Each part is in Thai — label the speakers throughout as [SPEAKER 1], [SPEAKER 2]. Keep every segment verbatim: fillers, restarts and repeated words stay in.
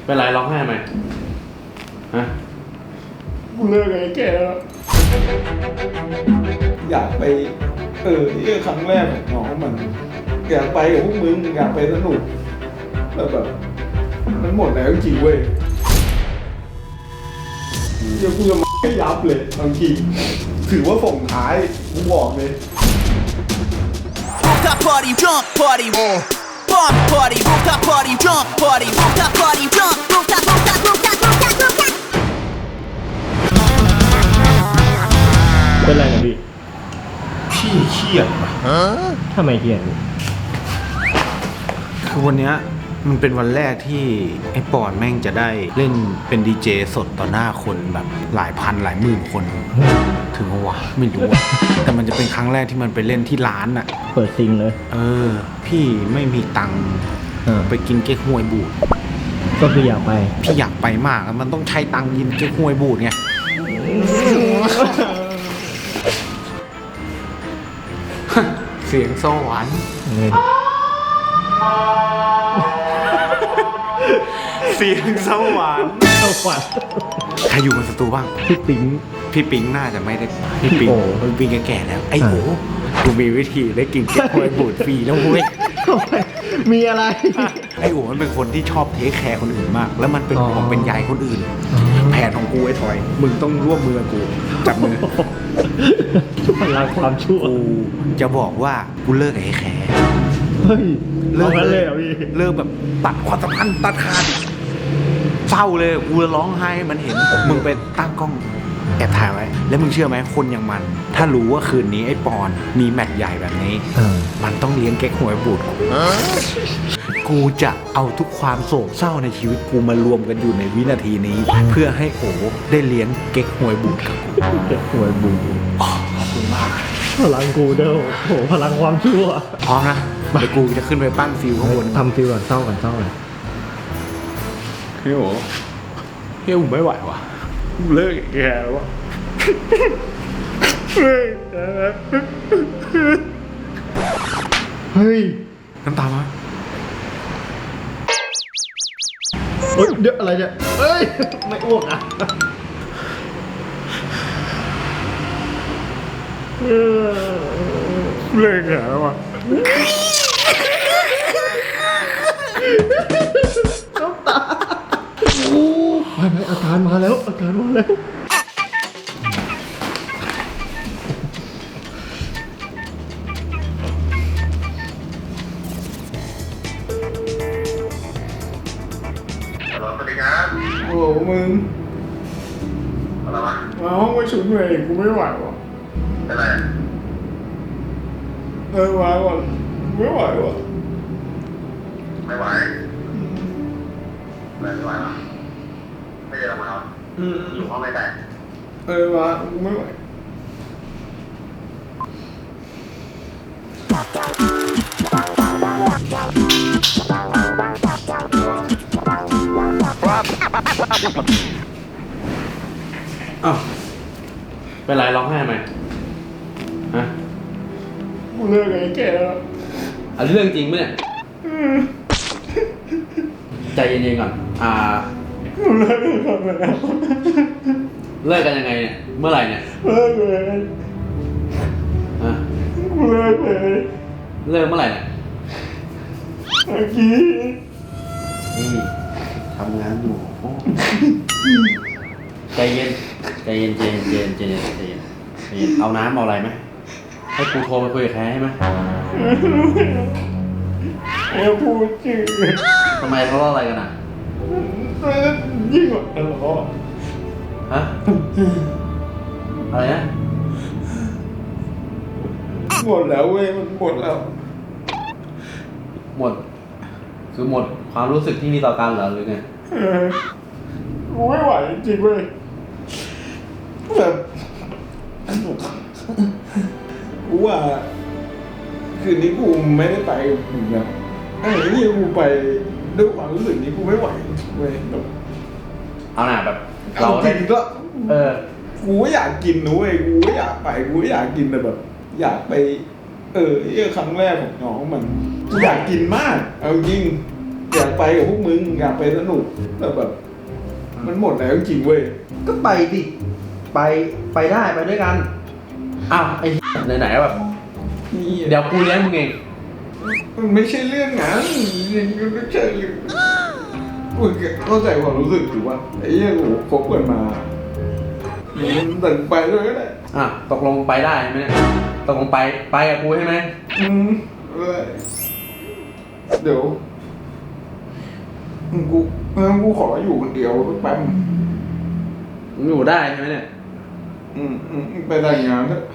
[SPEAKER 1] เป็นไรร้องไห้ไหมฮะ
[SPEAKER 2] กูเลิกไอ้แกแล้วอยากไปเออที่ครั้งแรกของน้องมันอยากไปกับพวกมึงอยากไปสนุกแต่แบบมันหมดแล้วจริงเว้ยเดี๋ยวกูจะมาให้ยับเลยบางทีถือว่าส่งท้ายกูบอกเลย
[SPEAKER 3] Rooftop party, jump party, bomb party, rooftop party, jump party, rooftop party, jump, rooftop, rooftop, rooftop, rooftop, rooftop.
[SPEAKER 4] เป็นไรนะพี่
[SPEAKER 2] พี่เครียดว่ะ
[SPEAKER 4] ทำไมเครียด
[SPEAKER 2] คือวันเนี้ยมันเป็นวันแรกที่ไอ้ปอนแม่งจะได้เล่นเป็นดีเจสดต่อหน้าคนแบบหลายพันหลายหมื่นคนถึงวะไม่รู้อะแต่มันจะเป็นครั้งแรกที่มันไปเล่นที่ร้านอะ
[SPEAKER 4] เปิดซิงเลย
[SPEAKER 2] เออพี่ไม่มีตังค์
[SPEAKER 4] อ่า
[SPEAKER 2] ไปกินเก๊กฮวยบูด
[SPEAKER 4] ก็คืออยากไป
[SPEAKER 2] พี่อยากไปมากมันต้องใช้ตังค์กินเก๊กฮวยบูดไงเสียงสวรรค์เสียงสวรรค์
[SPEAKER 4] เข้าฝัน
[SPEAKER 2] ใครอยู่บนสตูบ้าง
[SPEAKER 4] พี่ปิ๊ง
[SPEAKER 2] พี่ปิงน่าจะไม่ได้พี่ปิง
[SPEAKER 4] โอ้
[SPEAKER 2] พี่ปิงแก่ๆแล้วไอ้โหกูมีวิธีได้กินเก๊กฮวยบูดฟรีแล้วเว้ย
[SPEAKER 4] มีอะไร
[SPEAKER 2] ไอ้โหมันเป็นคนที่ชอบเทคแคร์คนอื่นมาก แล้วมันเป็น
[SPEAKER 4] อ๋อ
[SPEAKER 2] ห่วงเป็นใยคนอื่น แผนของกูไอ้ทอย มึงต้องร่วมมือกับกูจับมือ
[SPEAKER 4] พลังความชั่ว
[SPEAKER 2] กูจะบอกว่ากูเลิกกับไอ้แคร์
[SPEAKER 4] เฮ้ยเลิกกันเลยเหรอพี่
[SPEAKER 2] เลิกแบบตัดความสัมพันธ์ตัดขาดเศร้าเลยกูร้องไห้มันเห็นมึงไปตั้งกล้องแอบถ่ายไว้ แล้วมึงเชื่อไหมคนอย่างมัน ถ้ารู้ว่าคืนนี้ไอ้ปอนมีแมตช์ใหญ่แบบนี้
[SPEAKER 4] อ่า
[SPEAKER 2] มันต้องเลี้ยงเก๊กหวยบูดกูกูจะเอาทุกความโศกเศร้าในชีวิตกูมารวมกันอยู่ในวินาทีนี้ เพื่อให้โอได้เลี้ยงเก๊กหวยบูดกับกู
[SPEAKER 4] เก็บหวยบู
[SPEAKER 2] อ๋อขอบคุณมาก
[SPEAKER 4] พลังกูเด้อโหพลังความชั่ว
[SPEAKER 2] พร้อมนะเดี๋ยวกูจะขึ้นไปปั้นฟิวข้างบน
[SPEAKER 4] ทำฟิลก่อนเศร้าก่อนเศร้าก่อน
[SPEAKER 2] พี่โอพี่ผมไม่ไหวว่ะเลิกแกแล้ววะเลิกแก
[SPEAKER 4] เฮ้ย
[SPEAKER 2] น้ำตามา
[SPEAKER 4] เฮ้ยเดี๋ยวอะไรเนี่ยเฮ้ย ไม่อ้วกอ่ะเออ
[SPEAKER 2] เลิกแกแล้ววะ
[SPEAKER 4] น้ำตาโอ้ไปไปอาการมาแล้วอาการมาแล้ว
[SPEAKER 5] สวัสดีครับ
[SPEAKER 2] โอ้มึง
[SPEAKER 5] อะไรวะ
[SPEAKER 2] มาห้องประชุมเลยกูไม่ไหวว่ะ
[SPEAKER 5] เป็นไร
[SPEAKER 2] เออมาก่อนไม่ไหวว่ะ
[SPEAKER 5] ไม่ไหวไม่ไหวหรอไม่ได้ลงมาหรอ
[SPEAKER 2] อืม
[SPEAKER 5] อยู่ห้องไม่ได้
[SPEAKER 2] เออมากูไม่ไหวอ้าวเป็นไรร้องไห้ไหมฮะ
[SPEAKER 1] กูเลิกไอ้แกแล้วอันนี้เรื่องจริงปะเนี่ยใจเย็นๆก่อนอ่า
[SPEAKER 2] กูเลิกกันไปแล้ว
[SPEAKER 1] เลิกกันยังไงเนี่ยเมื่อไหร่เนี่ย
[SPEAKER 2] เลิกเลย
[SPEAKER 1] ฮะ
[SPEAKER 2] กูเลิกเลย
[SPEAKER 1] เลิกเมื่อไหร่เนี่ย
[SPEAKER 2] เมื่อกี้
[SPEAKER 1] นี่ทำงานอยู่โอ้ใจเย็นใจเย็นใจเย็นใจเย็นใจเย็นใจเย็นใจเย็นเอาน้ำเอาอะไรไหมให้กูโทรไปคุยกับแคร์ให้ไหม
[SPEAKER 2] ไอ้พูดชื่อ
[SPEAKER 1] ทำไมเขาเล่าอะไรกันอ่ะ
[SPEAKER 2] ยิ่งกว่าทะเลาะ
[SPEAKER 1] ฮะอะไรนะ
[SPEAKER 2] หมดแล้วเว้ยมันหมดแล้ว
[SPEAKER 1] หมด คือหมดความรู้สึกที่มีต่อกันเหรอหรือไง
[SPEAKER 2] เออกูไม่ไหวจริงๆเว้ยแบบกูว่าคืนนี้กูไม่ได้ไปมึงนะไอ้นี่กูไปด้วยความรู้สึกนี้กูไม่ไหวเว้ยแบบ
[SPEAKER 1] เอาหน่าแบบ
[SPEAKER 2] เรา
[SPEAKER 1] เรา
[SPEAKER 2] จ
[SPEAKER 1] ได้
[SPEAKER 2] ริงก็
[SPEAKER 1] เออ
[SPEAKER 2] กูก็อยากกินนะเว้ยกูก็อยากไปกูก็อยากกินแต่แบบ อยากไป เออไอ้ครั้งแรกของน้องมันกูอยากกินมากเอาจริงอยากไปกับพวกมึงอยากไปสนุกแต่แบบ มันหมดแล้วจริงๆเว้ย
[SPEAKER 1] ก็ไปดิไปไปได้ไปด้วยกันอ้าวไอ้ไหนๆแบบ
[SPEAKER 2] นี่
[SPEAKER 1] เดี๋ยวกูเลี้ยงมึงเอง
[SPEAKER 2] มันไม่ใช่เรื่องงานมันไม่ใช่เรื่องกูเข้าใจความรู้สึกอยู่ว่าไอ้เรื่องโอ้คบกันมามันตัดไปเลยก็ได้
[SPEAKER 1] อ่ะตกลงไปได้ไหมเนี่ยตกลงไปไปกับกูใช่ไหม
[SPEAKER 2] อืมเออเดี๋ยวกูงั้นกูขออยู่คนเดียวแป๊บ
[SPEAKER 1] มึงอยู่ได้ใช่ไหมเนี่ย
[SPEAKER 2] อืมอืมไปแต่งงานเถอะ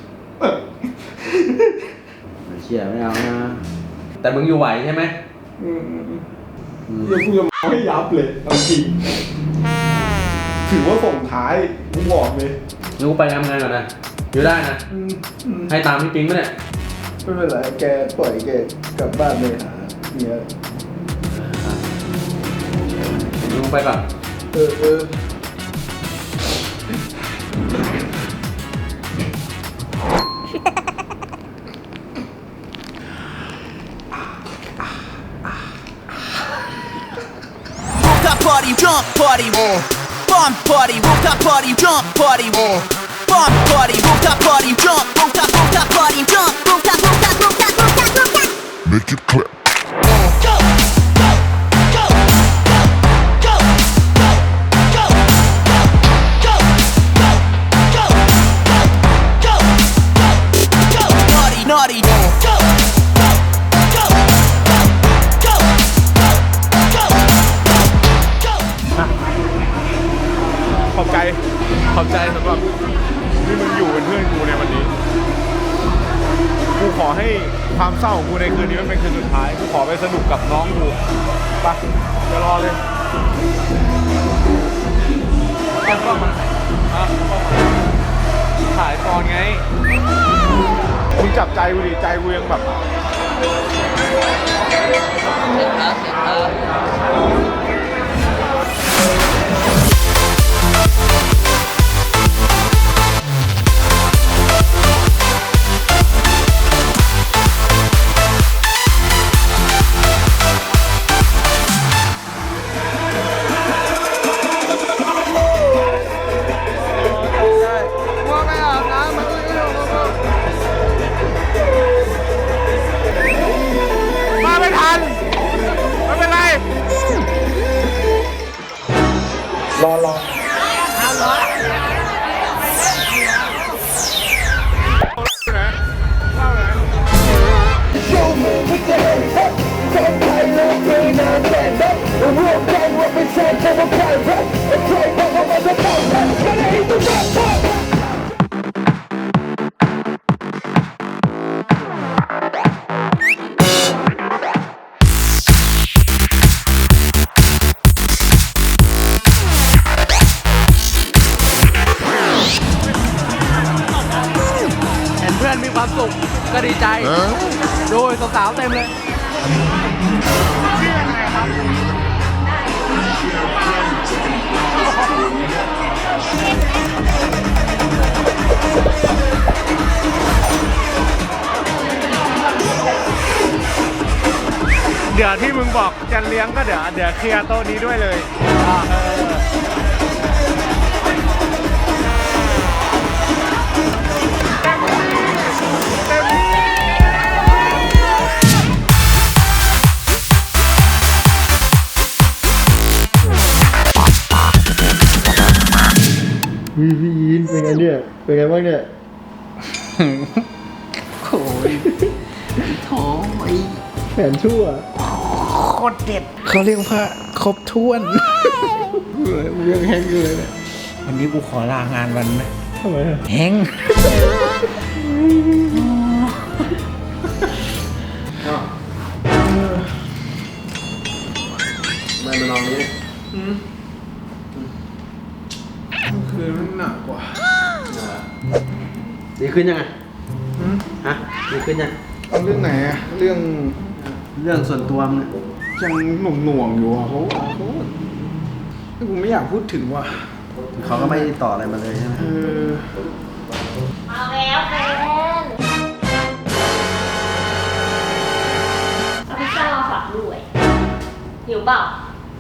[SPEAKER 1] ไม่เชื่อไม่เอานะแต่มึงอยู่ไหวใช่ไหม
[SPEAKER 2] อืมอืมอืมเดี๋ยวกูจะมาให้ยับเลยเอาจริงถือว่าส่งท้ายกูบอกเลย
[SPEAKER 1] งั้นกูไปทำงานก่อนนะอยู่ได้นะ
[SPEAKER 2] อืมอืม
[SPEAKER 1] ให้ตามพี่ปิ๊งไหมเนี่ย
[SPEAKER 2] ไม่เป็นไรแกปล่อยแกกลับบ้านเลยหาเนี่ย
[SPEAKER 1] มึงไปก่อน
[SPEAKER 2] เออเออ
[SPEAKER 3] Rooftop party, jump party, oh. Bomb party, rooftop party, jump party, oh. Bomb party, rooftop party, jump, rooftop, rooftop party, jump, rooftop, rooftop, rooftop, rooftop, rooftop.
[SPEAKER 5] Make it clap.
[SPEAKER 3] Go, go, go, go, go, go, go, go, go, go, go, go, go, naughty, naughty, go, go, go, go, go, go, go, go.
[SPEAKER 2] ขอบใจขอบใจสำหรับที่มึงอยู่เป็นเพื่อนกูในวันนี้ กูขอให้ความเศร้าของกูในคืนนี้มันเป็นคืนสุดท้าย กูขอไปสนุกกับน้องกูไปจะรอเลยเอากล้องมาอ่ะถ่ายตอนไง มึงจับใจกูดิใจกูยังแบบ มาไม่ทัน ไม่เป็นไร รอรอเอารอ
[SPEAKER 1] เห็นเพื่อนมีความสุขก็ดีใจดูสาวๆเต็มเลย
[SPEAKER 2] เดี๋ยวที่มึงบอกจะเลี้ยงก็เดี๋ยวเดี๋ยวเคลียร์โต๊ะนี้ด้วยเลยเออพี่พี่ยินเป็นไงเนี่ย เป็นไงบ้างเนี่ย
[SPEAKER 1] โอ้ยโถ่ไอ้
[SPEAKER 2] แผนชั่ว
[SPEAKER 1] โคตรเด็ด
[SPEAKER 2] เขาเรียกว่าครบถ้วนเรื่องแห้งอยู่เลยเนี่ย
[SPEAKER 1] วันนี้กูขอลางานวันไหม
[SPEAKER 2] ทำไมอะ
[SPEAKER 1] แห้งไม่มานอนนี้
[SPEAKER 2] คือมันหนักกว่า
[SPEAKER 1] ดีขึ้นยังไงฮะดีขึ้นยัง
[SPEAKER 2] เอาเรื่องไหนอะเรื่อง
[SPEAKER 1] เรื่องส่วนตัวมึงเนี่ย
[SPEAKER 2] ยังหน่วงหน่วงๆอยู่อะเขาเขากูไม่อยากพูดถึงว่ะ
[SPEAKER 1] เขาก็ไม่ได้ต่ออะไรมาเลยใช่ไหม
[SPEAKER 2] เออ
[SPEAKER 6] มาแล้วแฟนเอาพิซซ่ามาฝากด้วยหิวเปล่า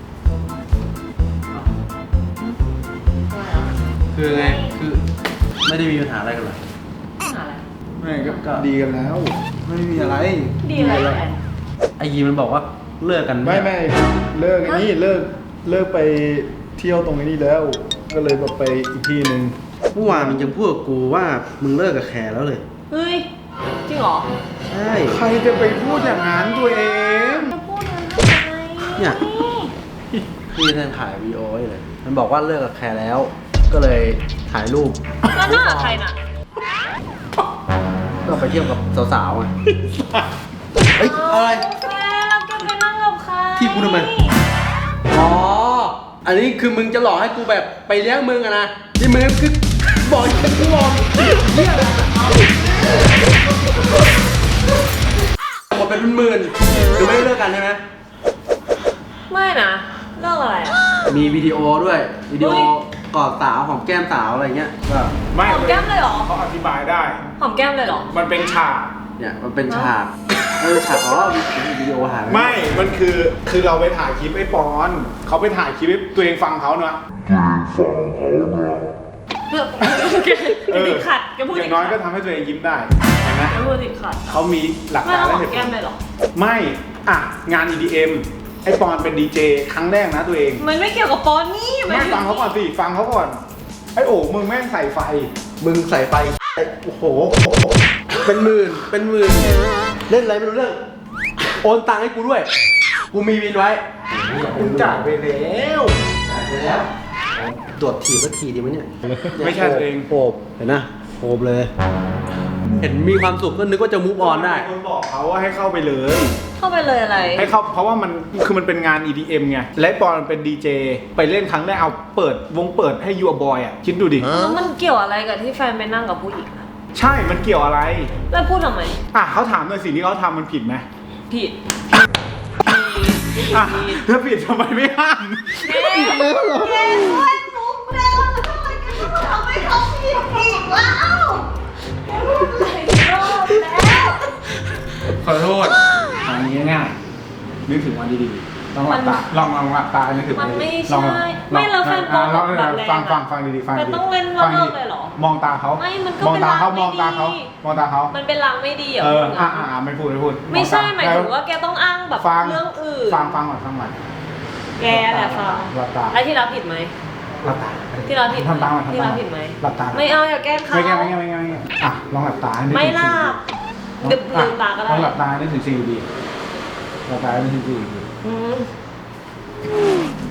[SPEAKER 1] คือไงคือไม่ได้มีปัญหาอะไรกันเหรอ
[SPEAKER 6] หาอะไร
[SPEAKER 4] ไม่ก็ดีกันแล้ว ไม่มีอะไร
[SPEAKER 6] ดีอะไรแอน
[SPEAKER 1] ไอ้ยีมันบอกว่าเลิกกัน
[SPEAKER 4] ไม่ไม่เลิกไอ้นี่เลิกเลิกไปเที่ยวตรงนี้แล้ว ก็เลยแบบไปอีกที่หนึ่ง
[SPEAKER 1] เมื่อวานมึงยังพูดกับกูว่ามึงเลิกกับแคร์แล้วเลย
[SPEAKER 6] เฮ้ย จริงเหรอ
[SPEAKER 1] ใช่
[SPEAKER 2] ใครจะไปพูดอย่างนั้นตัวเอง
[SPEAKER 6] จะพูดนั้นทำไม
[SPEAKER 1] เนี่ยพี่แทนถ่ายวีดีโอไว้เลย มันบอกว่าเลิกกับแคร์แล้ว ก็เลยถ่ายรูป
[SPEAKER 6] แล้วหน้าใครน่ะ
[SPEAKER 1] ก็ไปเที่ยวกับสาวๆไงเฮ้ยอะไร
[SPEAKER 6] แฟนเราแกไปนั่งกับใคร
[SPEAKER 1] ที่กูทำไม อ๋อ อันนี้คือมึงจะหลอกให้กูแบบไปเลี้ยงมึงอะนะ นี่มึงคือบอกให้กูบอกเหี้ยอะไรหมดเป็นหมื่นๆคือไม่ได้เลิกกันใช่ไหม
[SPEAKER 6] ไม่นะเรื่องอะไรอะ
[SPEAKER 1] มีวิดีโอด้วย วิดีโอ
[SPEAKER 6] เฮ้ย
[SPEAKER 1] กอดสาวหอมแก้มสาวอะไรเงี้ยก็
[SPEAKER 2] ไม่
[SPEAKER 6] หอมแก้มเลยเหรอ
[SPEAKER 2] เขาอธิบายได้
[SPEAKER 6] หอมแก้มเลยเหรอ
[SPEAKER 2] มันเป็นฉาก
[SPEAKER 1] เนี่ยมันเป็นฉากเออฉากอ๋อมีวิดีโอหายป
[SPEAKER 2] ไม่ มันคือ คือเราไปถ่ายคลิปไอ้ปอน เขาไปถ่ายคลิปให้ตัวเองฟังเขาเนอะ
[SPEAKER 6] เพื่อแกติดขัดแกพูด
[SPEAKER 2] อ
[SPEAKER 6] ติ
[SPEAKER 2] ย่า
[SPEAKER 6] ด
[SPEAKER 2] งน้อย
[SPEAKER 6] ขั
[SPEAKER 2] ก็
[SPEAKER 6] ด
[SPEAKER 2] ทำให้ตัวเองยิ้มได้ เห็นไหม
[SPEAKER 6] แกพูดติดขัด
[SPEAKER 2] เขามีหลัก
[SPEAKER 6] ไม่
[SPEAKER 2] ฐาน
[SPEAKER 6] แล้วห
[SPEAKER 2] และ
[SPEAKER 6] อ
[SPEAKER 2] เห
[SPEAKER 6] ม
[SPEAKER 2] ตุผ
[SPEAKER 6] แก้ม
[SPEAKER 2] ล
[SPEAKER 6] เลยเหรอ
[SPEAKER 2] ไม่ อ่ะ งาน อี ดี เอ็ม ไอ้ปอนเป็นดีเจครั้งแรกนะตัวเอง
[SPEAKER 6] มันไม่เกี่ยวกับปอนนี่
[SPEAKER 2] ไม่ฟังเขาก่อนสิ ฟังเขาก่อน ไอ้โอ๋มึงแม่งใส่ไฟ
[SPEAKER 1] มึงใส่ไฟโอ้โห เป็นหมื่น เป็นหมื่น เล่นอะไรไม่รู้เรื่อง โอนตังค์ให้กูด้วย กูมีวินไว้
[SPEAKER 2] มึงจ่ายไปแล้ว
[SPEAKER 1] จ่ายไปแล้วตรวจถีบสักทีดีไหมเนี่ย
[SPEAKER 2] ไม่ใช่ตัวเอง
[SPEAKER 1] โอบเห็นนะโอบเลย เห็นมีความสุขก็นึกว่าจะมูฟออนได้
[SPEAKER 2] คนบอกเขาว่าให้เข้าไปเลย
[SPEAKER 6] เข้าไปเลยอะไร
[SPEAKER 2] ให้เข้าเพราะว่ามันคือมันเป็นงาน อี ดี เอ็ม ไง และปอนมันเป็นดีเจ ไปเล่นครั้งแรกเอาเปิดวงเปิดให้ยูบอยอ่ะ คิดดูดิ
[SPEAKER 6] แล้วมันเกี่ยวอะไรกับที่แฟนไปนั่งกับผู้หญิงอะ
[SPEAKER 2] ใช่ มันเกี่ยวอะไร
[SPEAKER 6] แล้วพูดทำไม
[SPEAKER 2] อ่ะเขาถามหน่อยสิ่งที่เขาทำมันผิดไหม
[SPEAKER 6] ผิด
[SPEAKER 2] อ่ะถ้าผิดทำไมไม่ห้าม
[SPEAKER 6] แกด้วยมุกแล้วทำไมแกต้องทำให้เขาผิดอีกแล้วแกพูดหลายรอบแล้ว
[SPEAKER 2] ขอโทษอันนี้ง่ายนึกถึงวันดีๆลองหลับตาลองลองหลับตานึกถึง
[SPEAKER 6] มัน
[SPEAKER 2] วัน
[SPEAKER 6] ไม่
[SPEAKER 2] ดีๆล
[SPEAKER 6] ใช่
[SPEAKER 2] องลอง
[SPEAKER 6] ไม่แล้วแฟนปอน
[SPEAKER 2] ลอง
[SPEAKER 6] แบบแรง
[SPEAKER 2] ฟังฟัง
[SPEAKER 6] อะ
[SPEAKER 2] ฟังดีๆฟัง
[SPEAKER 6] แต่
[SPEAKER 2] ดีๆ
[SPEAKER 6] ต้องเล่น
[SPEAKER 2] ฟัง
[SPEAKER 6] เลิ
[SPEAKER 2] ดี
[SPEAKER 6] กเลยเหรอ
[SPEAKER 2] มองตาเขา
[SPEAKER 6] ไม่มันก็
[SPEAKER 2] มองตาเขา
[SPEAKER 6] เป็น
[SPEAKER 2] มองตาเขา
[SPEAKER 6] ลางไม่ดี
[SPEAKER 2] มองตาเขา
[SPEAKER 6] มันเป็นลางไม่ดีเหรอ
[SPEAKER 2] เออ
[SPEAKER 6] พูด
[SPEAKER 2] อ่ะ
[SPEAKER 6] งั้น
[SPEAKER 2] อ่ะไม่พูดไม่พูด
[SPEAKER 6] ไม่ใช่หมายถึง
[SPEAKER 2] แล้ว
[SPEAKER 6] ว่าแกต้องอ้างแบบ
[SPEAKER 2] ฟัง
[SPEAKER 6] เรื่องอื่น
[SPEAKER 2] ฟังฟังก่อนฟังก่อน
[SPEAKER 6] แกแหละฟัง
[SPEAKER 2] หลับตา
[SPEAKER 6] แล้วที่เราผิดไหม
[SPEAKER 2] หลับตา
[SPEAKER 6] ที่เราผิดไหม
[SPEAKER 2] ทำตามก่อน
[SPEAKER 6] ที่
[SPEAKER 2] ทำตา
[SPEAKER 6] เรา
[SPEAKER 2] ม
[SPEAKER 6] ผิดไหม
[SPEAKER 2] หลับตา
[SPEAKER 6] ไม่เอาอย่าแกล้งเขา
[SPEAKER 2] ไม่แก้ไม่แก้ไม่แก้ไม่แก้อ่ะลองหลับตานึกถึง
[SPEAKER 6] ไม่หลับ
[SPEAKER 2] สิ่ง
[SPEAKER 6] ลืมตาก็ได้
[SPEAKER 2] ลองหลับตานึกถึงสิ่งดีๆหลับตานึกถึงสิ่งดี
[SPEAKER 6] อืม